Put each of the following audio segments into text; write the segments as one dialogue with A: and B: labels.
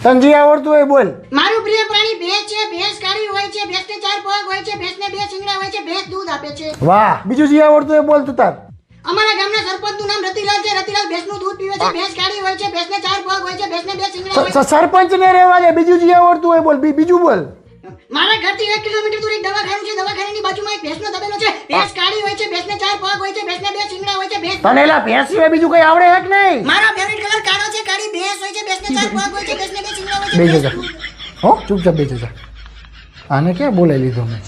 A: તને જે આવડતું હોય બોલ.
B: મારું પ્રિય પ્રાણી ભેંસ છે. ભેંસ કાળી હોય છે. ભેંસને 4 પગ હોય છે. ભેંસને 2 શિંગડા હોય છે. ભેંસ દૂધ આપે છે.
A: વાહ. બીજું જે આવડતું હોય બોલ તું તાર.
B: અમારા ગામના સરપંચનું નામ રતિલાલ છે. રતિલાલ ભેંસનું દૂધ પીવે છે. ભેંસ કાળી હોય છે. ભેંસને 4 પગ હોય છે. ભેંસને 2 શિંગડા હોય છે.
A: સરપંચ ને રહેવા દે. બીજું જે આવડતું હોય બોલ. બીજું બોલ.
B: મારા ઘરથી 1 કિલોમીટર દૂર એક દવાખાનું છે. દવાખાનાની બાજુમાં એક ભેંસનો તબેલો છે. ભેંસ કાળી હોય છે. ભેંસને 4 પગ હોય છે. ભેંસને 2 શિંગડા હોય છે. ભેંસ
A: તને એલા ભેંસ સિવાય બીજું કઈ આવડે છે કે નહીં?
B: મારો ફેવરિટ કલર કાળો છે. કાળી ભેંસ હોય છે. ભેંસને 4 પગ હોય છે. ભેંસને 2 શિંગડા હોય છે.
A: બેસી જા. હો ચૂપચાપ બેસી જા. આને ક્યાં બોલાવી લીધો મેં?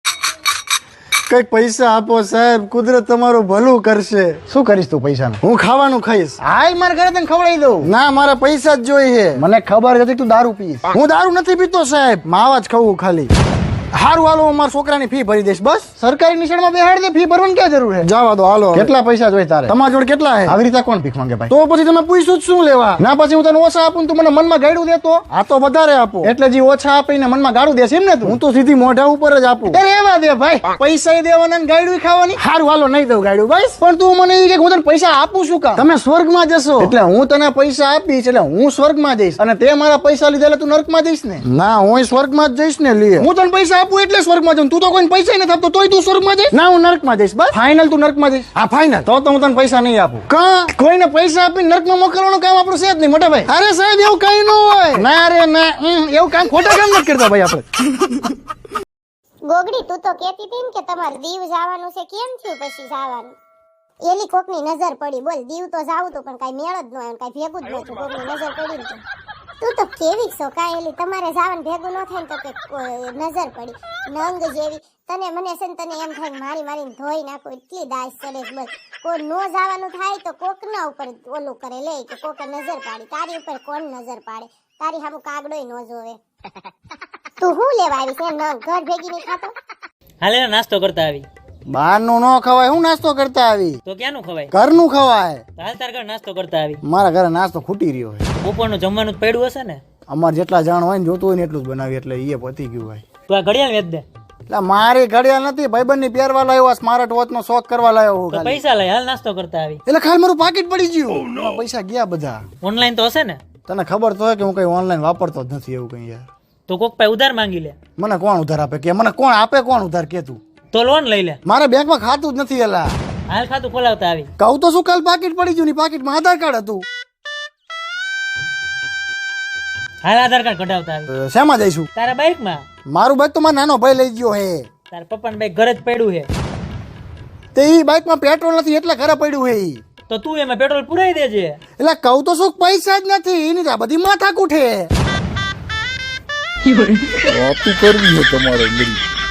C: કઈક પૈસા આપો સાહેબ, કુદરત તમારું ભલું કરશે.
A: શું કરીશ તું પૈસાનું?
C: હું ખાવાનું ખાઈશ.
A: હાલ મારા ઘરે તને ખવડાવી દઉં.
C: ના, મારા પૈસા જ જોઈએ.
A: મને ખબર હતી તું દારૂ પીશ.
C: હું દારૂ નથી પીતો સાહેબ, માવા જ ખાવું ખાલી. હારું હાલો, હું મારા છોકરાની ફી ભરી દઈશ બસ.
A: સરકારી નિશાળમાં બેહાડ દે. ફી ભરવાની ક્યાં જરૂર છે?
C: જવા દો હાલો.
A: કેટલા પૈસા જોઈએ તારે?
C: તમારા જોડે કેટલા હે?
A: આવી રીતે કોણ ભીખ માંગે ભાઈ?
C: તો પછી તમે પૂછ્યું જ શું લેવા?
A: ના પછી હું તને ઓછા આપું તું મને મનમાં ગાડું દેતો.
C: આ તો વધારે આપો.
A: એટલે જે ઓછા આપીને મનમાં ગાડું દેશે એમ ને તું?
C: હું તો સીધી મોઢા ઉપર જ આપું.
A: અરે એવા દે ભાઈ, પૈસા દેવાના ને ગાડું ખાવાની.
C: હારું હાલો, નહીં દઉં ગાડું બસ.
A: પણ તું મને એ કે હું તને પૈસા આપું શું કામ?
C: તમે સ્વર્ગમાં જશો.
A: એટલે હું તને પૈસા આપીશ એટલે હું સ્વર્ગમાં જઈશ અને તે મારા પૈસા લીધા એટલે તું નર્કમાં જઈશ ને?
C: ના, હું સ્વર્ગમાં જ જઈશ ને. લે,
A: હું તને પૈસા આપું એટલે સ્વર્ગમાં જાઉં. તું તો કોઈ પૈસા નથી આપતો તોય તું સ્વર્ગમાં જઈશ?
C: ના, હું નર્કમાં જઈશ બસ.
A: ફાઇનલ તું નર્કમાં જઈશ?
C: હા ફાઇનલ.
A: તો હું તને પૈસા નહીં આપું.
C: કા?
A: કોઈને પૈસા આપીને નર્કમાં મોકલવાનું કામ આપણું છે જ નહીં મોટા ભાઈ.
C: અરે સાહેબ, એવું કઈ ન હોય.
A: ના રે ના, એવું કામ ખોટા કામ નથી કરતા ભાઈ આપણે.
D: ગોગડી તું તો કહેતી હતી ને કે તમારે દીવ જવાનું છે, કેમ થયું પછી જવાનું? એલી કોકની નજર પડી. બોલ, દીવ તો જાવું તો પણ કાઈ મેળ જ ન આવ્યો, કાઈ ભેગું જ ન થયું. કોકની નજર પડી ને તું તો કેવી છો કાઈ? એલી તમારે જવાનું ભેગું ન થાય ને તો કે નજર પડી નંગ જેવી. તને મને છે ને તને એમ થાય મારી મારીને ધોઈ નાખો, એટલી દાસ ચડે છે. બસ કોઈ નો જવાનું થાય તો કોકના ઉપર ઓલું કરે લે કે કોકે નજર પાડી. તારી ઉપર કોણ નજર પાડે? તારી સામું કાગડોય ન જોવે. તું શું લેવા આવી છે? ઘર ભેગી નહીં ખાતો?
E: હાલે નાસ્તો કરતા આવી.
C: બહારનું ન ખવાય. હું નાસ્તો કરતા આવી?
E: તો ક્યાંનું ખવાય?
C: ઘરનું ખવાય.
E: તો હાલ તાર ઘર નાસ્તો કરતા આવી.
C: મારા ઘરે નાસ્તો ખૂટી રહ્યો છે.
E: બપોરનું જમવાનું પડ્યું હશે ને?
C: અમારે જેટલા જાણ હોય ને જોતું હોય ને એટલું જ બનાવી, એટલે એ પતી ગયું ભાઈ.
E: તું આ ઘડિયાળ વેચ દે.
C: એટલે મારી ઘડિયાળ નથી, ભાઈબંધની પહેરવા લાવ્યો, સ્માર્ટ વોચ નો શોખ કરવા લાવ્યો હું
E: તો
C: ખાલી.
E: પૈસા લઈ હાલ નાસ્તો કરતા આવી.
C: એટલે ખાલી મારું પાકીટ પડી ગયું. એમાં પૈસા ગયા બધા.
E: ઓનલાઈન તો હશે ને?
C: તને ખબર તો હોય કે હું કઈ ઓનલાઈન વાપરતો જ નથી એવું કઈ યાર.
E: તો કોક પાસે ઉધાર માંગી લે.
C: મને કોણ ઉધાર આપે કે? મને કોણ આપે? કોણ ઉધાર કે તું?
E: તો લોન લઈ લે.
C: મારે બેંકમાં ખાતું જ નથી. એલા
E: હાલ ખાતું ખોલાવતા આવી.
C: કહું તો શું, કાલ પાકીટ પડી ગયું ને પાકીટમાં આધાર કાર્ડ હતું.
E: હાલ આધાર કાર્ડ કઢાવતા આવી.
C: શેમાં જઈશું?
E: તારા બાઇક માં.
C: મારું બાઈક તો મારો નાનો ભાઈ લઈ ગયો હે.
E: તારા પપ્પાનું બાઇક ઘરે જ પડ્યું છે.
C: તે ઈ બાઈકમાં પેટ્રોલ નથી એટલે ઘરે પડ્યું હે ઈ.
E: તો તું એમાં પેટ્રોલ પુરાઈ દેજે.
C: એટલે કહું તો શું, પૈસા જ નથી. એની તો આ બધી માથાકૂટ હે.
F: વાતું કરવી છે તમારે.